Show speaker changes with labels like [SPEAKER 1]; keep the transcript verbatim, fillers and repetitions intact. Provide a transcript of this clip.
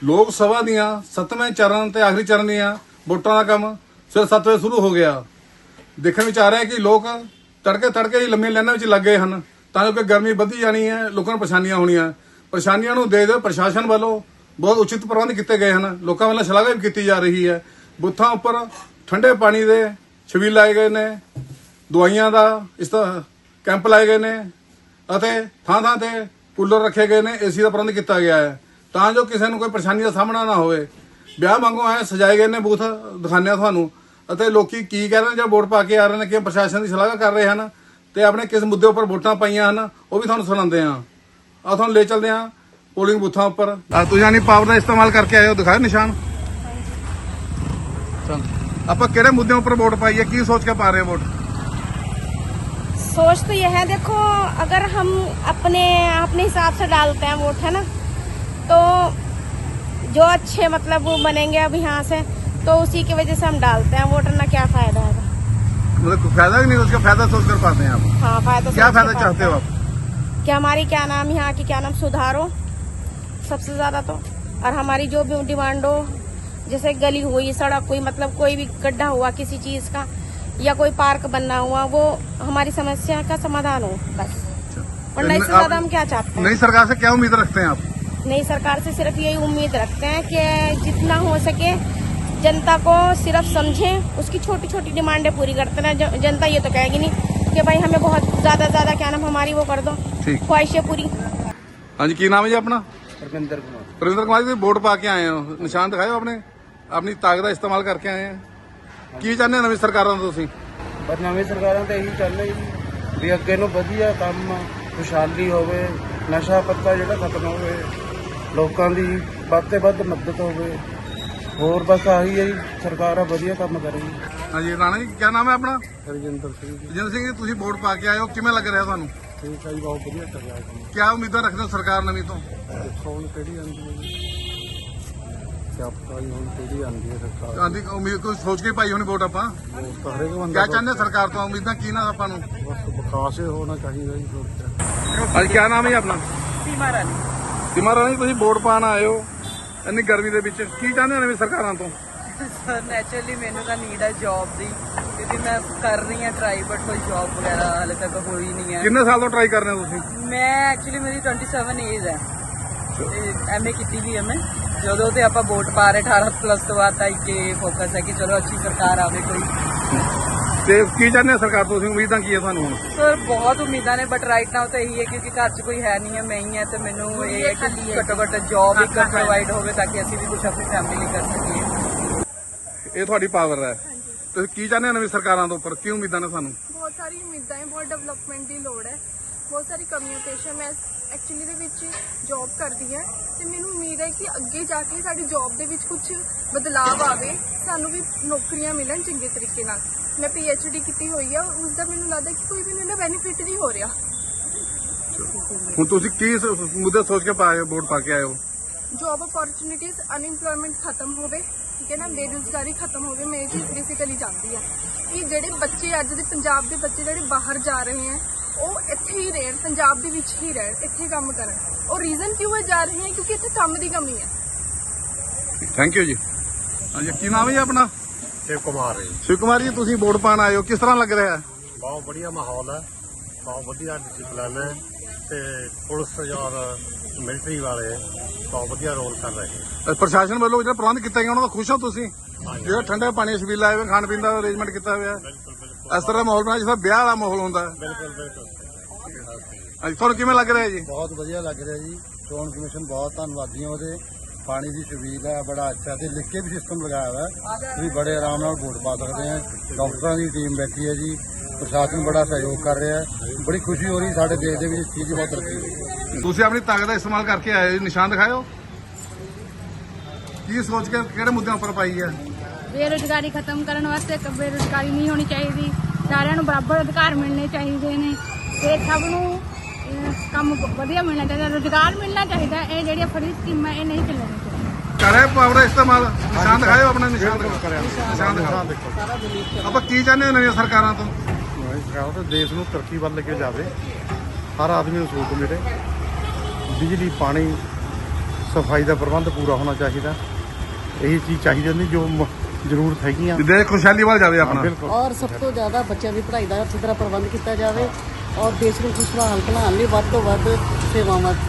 [SPEAKER 1] ਲੋਕ ਸਭਾ ਦੀਆਂ ਸੱਤਵੇਂ ਚਰਨ ਤੇ ਆਖਰੀ ਚਰਨ ਦੀਆਂ ਵੋਟਾਂ ਦਾ ਕੰਮ ਸਵੇਰੇ ਸੱਤ ਵਜੇ ਸ਼ੁਰੂ ਹੋ ਗਿਆ। ਦੇਖਣ ਵਿੱਚ ਆ ਰਿਹਾ ਕਿ ਲੋਕ ਤੜਕੇ ਤੜਕੇ ਹੀ ਲੰਮੀਆਂ ਲਾਈਨਾਂ ਵਿੱਚ ਲੱਗ ਗਏ ਹਨ ਤਾਂ ਕਿ ਗਰਮੀ ਵਧੀ ਜਾਣੀ ਹੈ, ਲੋਕਾਂ ਨੂੰ ਪਰੇਸ਼ਾਨੀਆਂ ਹੋਣੀਆਂ। ਪਰੇਸ਼ਾਨੀਆਂ ਨੂੰ ਦੇ ਦੇ ਪ੍ਰਸ਼ਾਸਨ ਵੱਲੋਂ ਬਹੁਤ ਉਚਿਤ ਪ੍ਰਬੰਧ ਕੀਤੇ ਗਏ ਹਨ। ਲੋਕਾਂ ਵੱਲੋਂ ਸ਼ਲਾਘਾ ਵੀ ਕੀਤੀ ਜਾ ਰਹੀ ਹੈ। ਬੂਥਾਂ ਉੱਪਰ ਠੰਡੇ ਪਾਣੀ ਦੇ ਛਬੀਲ ਲਾਏ ਗਏ ਨੇ, ਦਵਾਈਆਂ ਦਾ ਇਸ ਤਰ੍ਹਾਂ ਕੈਂਪ ਲਾਏ ਗਏ ਨੇ ਅਤੇ ਥਾਂ ਥਾਂ ਤੇ ਕੂਲਰ ਰੱਖੇ ਗਏ ਨੇ, ਏਸੀ ਦਾ ਪ੍ਰਬੰਧ ਕੀਤਾ ਗਿਆ ਹੈ ਤਾਂ ਜੋ ਕਿਸੇ ਨੂੰ ਕੋਈ ਪਰੇਸ਼ਾਨੀ ਦਾ ਸਾਹਮਣਾ ਨਾ ਹੋਵੇ। ਵਿਆਹ ਵਾਂਗੂ ਐ ਸਜਾਏ ਗਏ ਨੇ ਬੂਥ, ਦਿਖਾਉਂਦੇ ਆ ਤੁਹਾਨੂੰ। ਅਤੇ ਲੋਕੀ ਕੀ ਕਹਿ ਰਹੇ ਨੇ ਜਾਂ ਵੋਟ ਪਾ ਕੇ ਆ ਰਹੇ ਨੇ, ਕਿ ਪ੍ਰਸ਼ਾਸਨ ਦੀ ਸ਼ਲਾਘਾ ਕਰ ਰਹੇ ਹਨ ਤੇ ਆਪਣੇ ਕਿਸ ਮੁੱਦੇ ਉੱਪਰ ਵੋਟਾਂ ਪਾਈਆਂ ਹਨ ਉਹ ਵੀ ਤੁਹਾਨੂੰ ਸੁਣਾਉਂਦੇ ਆ। ਆ ਤੁਹਾਨੂੰ ਲੈ ਚੱਲਦੇ ਆ ਪੋਲਿੰਗ ਬੂਥਾਂ ਉੱਪਰ। ਤੁਸੀਂ ਯਾਨੀ ਪਾਵਰ ਦਾ ਇਸਤੇਮਾਲ ਕਰਕੇ ਆਏ ਹੋ, ਦਿਖਾਓ ਨਿਸ਼ਾਨ। ਚਲ ਆਪਾਂ ਕਿਹੜੇ ਮੁੱਦਿਆਂ ਉੱਪਰ ਵੋਟ ਪਾਈ ਹੈ, ਕੀ ਸੋਚ ਕੇ ਪਾ ਰਹੇ ਹੋ ਵੋਟ?
[SPEAKER 2] सोच तो यह है, देखो अगर हम अपने अपने हिसाब से डालते हैं वोट, है ना, तो जो अच्छे मतलब वो बनेंगे अब यहाँ से, तो उसी की वजह से हम डालते हैं वोट, ना क्या फायदा है।
[SPEAKER 1] मतलब फायदा ही नहीं, उसका फायदा सोच कर पाते हैं आप?
[SPEAKER 2] हाँ, फायदा।
[SPEAKER 1] क्या फायदा चाहते हो आप?
[SPEAKER 2] कि हमारी क्या नाम यहाँ की क्या नाम सुधार हो सबसे ज्यादा तो, और हमारी जो भी डिमांड हो, जैसे गली हुई, सड़क हुई, मतलब कोई भी गड्ढा हुआ किसी चीज का या कोई पार्क बनना हुआ, वो हमारी समस्या का समाधान हो बस। और नई से ज्यादा हम क्या चाहते हैं?
[SPEAKER 1] नई सरकार से क्या उम्मीद रखते हैं आप?
[SPEAKER 2] नई सरकार से सिर्फ यही उम्मीद रखते हैं कि जितना हो सके जनता को सिर्फ समझें, उसकी छोटी छोटी डिमांडें पूरी करते हैं। जनता ये तो कहेगी नहीं कि भाई हमें बहुत ज्यादा ज्यादा क्या नाम हमारी वो कर दो, ख्वाहिशें पूरी।
[SPEAKER 1] हाँ जी, की नाम है जी अपना?
[SPEAKER 3] परविंदर कुमार।
[SPEAKER 1] परविंदर कुमार जी, वोट पा के आए हो, निशान दिखाओ अपने, अपनी ताकत का इस्तेमाल करके आए हैं। ਕੀ ਚਾਹੁੰਦੇ ਨਵੀਂ ਸਰਕਾਰਾਂ ਤੋਂ ਤੁਸੀਂ?
[SPEAKER 3] ਪਰ ਨਵੀਂ ਸਰਕਾਰਾਂ ਤਾਂ ਇਹੀ ਚਾਹੁੰਦੇ ਜੀ ਵੀ ਅੱਗੇ ਨੂੰ ਵਧੀਆ ਕੰਮ, ਖੁਸ਼ਹਾਲੀ ਹੋਵੇ, ਨਸ਼ਾ ਪੱਤਾ ਜਿਹੜਾ ਖਤਮ ਹੋਵੇ, ਲੋਕਾਂ ਦੀ ਵੱਧ ਤੋਂ ਵੱਧ ਮਦਦ ਹੋਵੇ। ਹੋਰ ਬਸ ਆਹੀ ਹੈ ਜੀ, ਸਰਕਾਰਾਂ ਵਧੀਆ ਕੰਮ ਕਰੇਗੀ।
[SPEAKER 1] ਹਾਂਜੀ ਰਾਣਾ ਜੀ, ਕੀ ਨਾਮ ਹੈ ਆਪਣਾ?
[SPEAKER 3] ਹਰਜਿੰਦਰ ਸਿੰਘ ਜੀ।
[SPEAKER 1] ਰਜਿੰਦਰ ਸਿੰਘ ਜੀ, ਤੁਸੀਂ ਵੋਟ ਪਾ ਕੇ ਆਏ ਹੋ, ਕਿਵੇਂ ਲੱਗ ਰਿਹਾ ਤੁਹਾਨੂੰ?
[SPEAKER 3] ਠੀਕ ਹੈ ਜੀ, ਬਹੁਤ ਵਧੀਆ ਚੱਲ ਰਿਹਾ ਜੀ।
[SPEAKER 1] ਕੀ ਉਮੀਦਾਂ ਰੱਖਦੇ ਹੋ ਸਰਕਾਰ ਨਵੀਂ ਤੋਂ?
[SPEAKER 3] ਦੇਖੋ ਹੁਣ ਕਿਹੜੀ ਆਉਂਦੀ ਹੈ ਜੀ, ਕਿਆ ਪਤਾ ਜੀ ਹੁਣ ਕਿਹੜੀ ਆਉਂਦੀ ਹੈ ਸਰਕਾਰ।
[SPEAKER 1] ਆਂਦੀ ਉਮੀਦ ਕੋਈ ਸੋਚ ਕੇ ਪਾਈ ਹੋਣੀ ਵੋਟ ਆਪਾਂ।
[SPEAKER 3] ਵੋਟ ਤਾਂ ਹਰੇਕ ਬੰਦਾ
[SPEAKER 1] ਕਿਆ ਚਾਹੁੰਦੇ ਸਰਕਾਰ ਤੋਂ, ਉਮੀਦਾਂ ਕੀ ਨਾ ਆਪਾਂ ਨੂੰ?
[SPEAKER 3] ਬਸ ਵਿਕਾਸ ਹੀ ਹੋਣਾ ਚਾਹੀਦਾ ਜੀ। ਹੋਰ
[SPEAKER 1] ਹਾਂਜੀ, ਕੀ ਨਾਮ ਹੈ ਜੀ ਆਪਣਾ?
[SPEAKER 2] सीमा रानी।
[SPEAKER 1] ਸੀਮਾ ਰਾਣੀ, ਤੁਸੀਂ ਵੋਟ ਪਾਣ ਆਏ ਹੋ ਇੰਨੀ ਗਰਮੀ ਦੇ ਵਿੱਚ, ਕੀ ਚਾਹੁੰਦੇ ਹੋ ਨਵੀਂ ਸਰਕਾਰਾਂ ਤੋਂ?
[SPEAKER 4] ਸਰ ਨੈਚੁਰਲੀ ਮੈਨੂੰ ਤਾਂ ਨੀਡ ਹੈ ਜੌਬ ਦੀ, ਕਿਉਂਕਿ ਮੈਂ ਕਰ ਰਹੀ ਹਾਂ ਟਰਾਈ, ਬਟ ਕੋਈ ਜੌਬ ਵਗੈਰਾ ਹਾਲੇ ਤੱਕ ਹੋਈ ਨਹੀਂ ਹੈ।
[SPEAKER 1] ਕਿੰਨੇ ਸਾਲ ਤੋਂ ਟਰਾਈ ਕਰ ਰਹੇ ਹੋ ਤੁਸੀਂ?
[SPEAKER 4] ਮੈਂ ਐਕਚੁਅਲੀ ਮੇਰੀ ਸੱਤਾਈ ਏਜ ਹੈ ਤੇ ਐਮਏ ਕੀਤੀ ਵੀ ਹੈ ਮੈਂ। ਜਦੋਂ ਤੇ ਆਪਾਂ ਵੋਟ ਪਾ ਰਹੇ ਅਠਾਰਾਂ ਪਲੱਸ ਤੋਂ ਬਾਅਦ ਤਾਂ ਇੱਕ ਫੋਕਸ ਹੈ ਕਿ ਚਲੋ ਅੱਛੀ ਸਰਕਾਰ ਆਵੇ ਕੋਈ।
[SPEAKER 1] ਤੇ ਕੀ ਚਾਹੁੰਦੇ ਹੋ ਸਰਕਾਰ ਤੋਂ, ਤੁਸੀਂ ਉਮੀਦਾਂ ਕੀ ਹੈ ਤੁਹਾਨੂੰ ਹੁਣ?
[SPEAKER 4] ਸਰ ਬਹੁਤ ਉਮੀਦਾਂ ਨੇ, ਬਟ ਰਾਈਟ ਨਾਓ ਤਾਂ ਇਹੀ ਹੈ ਕਿਉਂਕਿ ਘਰ 'ਚ ਕੋਈ ਹੈ ਨਹੀਂ ਹੈ, ਮੈਂ ਹੀ ਹੈ, ਤੇ ਮੈਨੂੰ ਇਹ ਹੈ ਕਿ ਘੱਟੋ ਘੱਟ ਜੌਬ ਇੱਕ ਪ੍ਰੋਵਾਈਡ ਹੋਵੇ ਤਾਂ ਕਿ ਅਸੀਂ ਵੀ ਕੁਝ ਆਪਣੀ ਫੈਮਿਲੀ ਲਈ ਕਰ ਸਕੀਏ।
[SPEAKER 1] ਇਹ ਤੁਹਾਡੀ ਪਾਵਰ ਹੈ। ਤੁਸੀਂ ਕੀ ਚਾਹੁੰਦੇ ਹੋ ਨਵੀਂ ਸਰਕਾਰਾਂ ਤੋਂ ਉੱਪਰ, ਕੀ ਉਮੀਦਾਂ ਨੇ ਸਾਨੂੰ?
[SPEAKER 5] ਬਹੁਤ ਸਾਰੀ ਉਮੀਦਾਂ ਹੈ, ਬਹੁਤ ਡਿਵੈਲਪਮੈਂਟ ਦੀ ਲੋੜ ਹੈ, ਬਹੁਤ ਸਾਰੀ ਕਮੀਆਂ ਪੇਸ਼ ਹੈ। ਮੈਂ ਐਕਚੁਅਲੀ ਦੇ ਵਿੱਚ ਜੌਬ ਕਰਦੀ ਹਾਂ ਤੇ ਮੈਨੂੰ ਉਮੀਦ ਹੈ ਕਿ ਅੱਗੇ ਜਾ ਕੇ ਸਾਡੀ ਜੌਬ ਦੇ ਵਿੱਚ ਕੁਝ ਬਦਲਾਅ ਆਵੇ, ਸਾਨੂੰ ਵੀ ਨੌਕਰੀਆਂ ਮਿਲਣ ਚੰਗੇ ਤਰੀਕੇ ਨਾਲ। ਮੈਂ ਪੀ ਐਚ ਡੀ ਕੀਤੀ ਹੋਈ ਆ, ਉਸ ਦਾ ਮੈਨੂੰ ਲੱਗਦਾ ਕਿ ਕੋਈ ਵੀ ਮੈਨੂੰ ਬੈਨੀਫਿਟ ਨਹੀਂ ਹੋ ਰਿਹਾ।
[SPEAKER 1] ਹੁਣ ਤੁਸੀਂ ਕੀ ਮੁੱਦੇ ਸੋਚ ਕੇ ਪਾਏ ਹੋ, ਵੋਟ ਪਾ ਕੇ ਆਏ ਹੋ?
[SPEAKER 5] ਜੌਬ ਅਪੋਰਚੁਨਿਟੀਜ਼, ਅਨਇੰਪਲੋਇਮੈਂਟ ਖਤਮ ਹੋਵੇ, ਠੀਕ ਹੈ ਨਾ, ਬੇਰੁਜ਼ਗਾਰੀ ਖਤਮ ਹੋਵੇ। ਮੈਂ ਇਹ ਚੀਜ਼ ਬੇਸਿਕਲੀ ਚਾਹੁੰਦੀ ਹਾਂ ਕਿ ਜਿਹੜੇ ਬੱਚੇ ਅੱਜ ਦੇ ਪੰਜਾਬ ਦੇ ਬੱਚੇ ਜਿਹੜੇ ਬਾਹਰ ਜਾ ਰਹੇ ਹੈ ਉਹ ਇੱਥੇ ਹੀ ਰਹਿਣ, ਪੰਜਾਬ ਦੇ ਵਿੱਚ ਹੀ ਰਹਿਣ, ਇੱਥੇ ਕੰਮ ਕਰਨ। ਉਹ ਰੀਜ਼ਨ ਕਿਉਂ ਹੈ ਜਾ ਰਹੇ ਹੈ? ਕਿਉਂਕਿ ਇੱਥੇ ਕੰਮ ਦੀ ਕਮੀ ਹੈ।
[SPEAKER 1] ਥੈਂਕ ਯੂ ਜੀ। ਹਾਂਜੀ, ਕੀ ਨਾਮ ਹੈ ਜੀ ਆਪਣਾ?
[SPEAKER 3] ਸ਼ਿਵ ਕੁਮਾਰ ਜੀ।
[SPEAKER 1] ਸ਼ਿਵ ਕੁਮਾਰ ਜੀ, ਤੁਸੀਂ ਵੋਟ ਪਾਣ ਆਏ ਹੋ, ਕਿਸ ਤਰ੍ਹਾਂ ਲੱਗ ਰਿਹਾ ਹੈ?
[SPEAKER 3] ਬਹੁਤ ਵਧੀਆ ਮਾਹੌਲ ਹੈ, ਬਹੁਤ ਵਧੀਆ ਡਿਸਿਪਲਿਨ ਹੈ ਤੇ ਪੁਲਿਸ ਔਰ ਮਿਲਟਰੀ ਵਾਲੇ ਬਹੁਤ ਵਧੀਆ ਰੋਲ ਕਰ ਰਹੇ ਨੇ।
[SPEAKER 1] ਪ੍ਰਸ਼ਾਸਨ ਵੱਲੋਂ ਜਿਹੜਾ ਪ੍ਰਬੰਧ ਕੀਤਾ ਗਿਆ ਉਹਨਾਂ ਦਾ ਖੁਸ਼ ਹੋ ਤੁਸੀਂ? ਜਿਹੜਾ ਠੰਡੇ ਪਾਣੀ ਛਬੀਲ ਲਾਏ ਹੋਏ, ਖਾਣ ਪੀਣ ਦਾ ਅਰੇਂਜਮੈਂਟ ਕੀਤਾ ਹੋਇਆ, ਇਸ ਤਰ੍ਹਾਂ ਦਾ ਮਾਹੌਲ ਬਣਾਇਆ ਜਿਸ ਤਰ੍ਹਾਂ ਵਿਆਹ ਵਾਲਾ ਮਾਹੌਲ ਹੁੰਦਾ ਹੈ।
[SPEAKER 3] ਬਿਲਕੁਲ ਬਿਲਕੁਲ।
[SPEAKER 1] ਹਾਂਜੀ, ਤੁਹਾਨੂੰ ਕਿਵੇਂ ਲੱਗ ਰਿਹਾ ਜੀ?
[SPEAKER 3] ਬਹੁਤ ਵਧੀਆ ਲੱਗ ਰਿਹਾ ਜੀ। ਚੋਣ ਕਮਿਸ਼ਨ ਬਹੁਤ ਧੰਨਵਾਦੀ ਹਾਂ ਉਹਦੇ। ਪਾਣੀ ਦੀ ਛਬੀਲ ਹੈ, ਬੜਾ ਅੱਛਾ, ਤੇ ਲਿਖ ਕੇ ਵੀ ਸਿਸਟਮ ਲਗਾਇਆ ਹੋਇਆ ਹੈ, ਤੁਸੀਂ ਬੜੇ ਆਰਾਮ ਨਾਲ ਵੋਟ ਪਾ ਸਕਦੇ ਆ। ਡਾਕਟਰਾਂ ਦੀ ਟੀਮ ਬੈਠੀ ਹੈ ਜੀ, ਪ੍ਰਸ਼ਾਸਨ ਬੜਾ ਸਹਿਯੋਗ ਕਰ ਰਿਹਾ ਹੈ। ਬੜੀ ਖੁਸ਼ੀ ਹੋ ਰਹੀ ਸਾਡੇ ਦੇਸ਼ ਦੇ ਵਿੱਚ ਇਸ ਚੀਜ਼ ਦੀ ਬਹੁਤ ਤਰੱਕੀ ਹੋਈ।
[SPEAKER 1] ਤੁਸੀਂ ਆਪਣੀ ਤਾਕਤ ਦਾ ਇਸਤੇਮਾਲ ਕਰਕੇ ਆਏ ਹੋ, ਨਿਸ਼ਾਨ ਦਿਖਾਓ। ਕੀ ਸੋਚ ਕੇ ਕਿਹੜੇ ਮੁੱਦਿਆਂ ਉੱਪਰ ਪਾਈ ਹੈ?
[SPEAKER 6] ਬੇਰੁਜ਼ਗਾਰੀ ਖਤਮ ਕਰਨ ਵਾਸਤੇ, ਬੇਰੁਜ਼ਗਾਰੀ ਨਹੀਂ ਹੋਣੀ ਚਾਹੀਦੀ, ਸਾਰਿਆਂ ਨੂੰ ਬਰਾਬਰ ਅਧਿਕਾਰ ਮਿਲਣੇ ਚਾਹੀਦੇ ਨੇ ਤੇ ਸਭ ਨੂੰ ਅਹ, ਕੰਮ ਵਧੀਆ ਮਿਲਣਾ ਚਾਹੀਦਾ, ਰੁਜ਼ਗਾਰ ਮਿਲਣਾ ਚਾਹੀਦਾ। ਇਹ ਜਿਹੜੀਆਂ ਫਰੀ ਸਕੀਮਾਂ ਇਹ ਨਹੀਂ ਚੱਲਣੀਆਂ ਚਾਹੀਦੀਆਂ।
[SPEAKER 1] ਕਰੇ ਪਾਵਰ ਦਾ ਇਸਤੇਮਾਲ। ਨਿਸ਼ਾਨ ਦਿਖਾਓ ਆਪਣਾ, ਨਿਸ਼ਾਨ ਦਿਖਾਓ, ਨਿਸ਼ਾਨ ਦਿਖਾਓ। ਆਪਾਂ ਕੀ ਚਾਹੁੰਦੇ ਹੋ ਨਵੀਆਂ ਸਰਕਾਰਾਂ ਤੋਂ?
[SPEAKER 3] ਸਰਕਾਰ ਤਾਂ ਦੇਸ਼ ਨੂੰ ਤਰੱਕੀ ਵੱਲ ਲੈ ਕੇ ਜਾਵੇ, ਹਰ ਆਦਮੀ ਨੂੰ ਸਹੂਲਤ ਮਿਲੇ, ਬਿਜਲੀ, ਪਾਣੀ, ਸਫਾਈ ਦਾ ਪ੍ਰਬੰਧ ਪੂਰਾ ਹੋਣਾ ਚਾਹੀਦਾ। ਇਹੀ ਚੀਜ਼ ਚਾਹੀਦੀ ਹੁੰਦੀ ਜੋ ਮ- ਜ਼ਰੂਰਤ ਹੈਗੀਆਂ।
[SPEAKER 1] ਜਿੱਦੇ ਖੁਸ਼ਹਾਲੀ ਵੱਲ ਜਾਵੇ ਆਪਣਾ।
[SPEAKER 3] ਬਿਲਕੁਲ।
[SPEAKER 7] ਔਰ ਸਭ ਤੋਂ ਜ਼ਿਆਦਾ ਬੱਚਿਆਂ ਦੀ ਪੜ੍ਹਾਈ ਦਾ ਅੱਛੀ ਤਰ੍ਹਾਂ ਪ੍ਰਬੰਧ ਕੀਤਾ ਜਾਵੇ ਔਰ ਦੇਸ਼ ਨੂੰ ਖੁਸ਼ਹਾਲ ਬਣਾਉਣ ਲਈ ਵੱਧ ਤੋਂ ਵੱਧ ਸੇਵਾਵਾਂ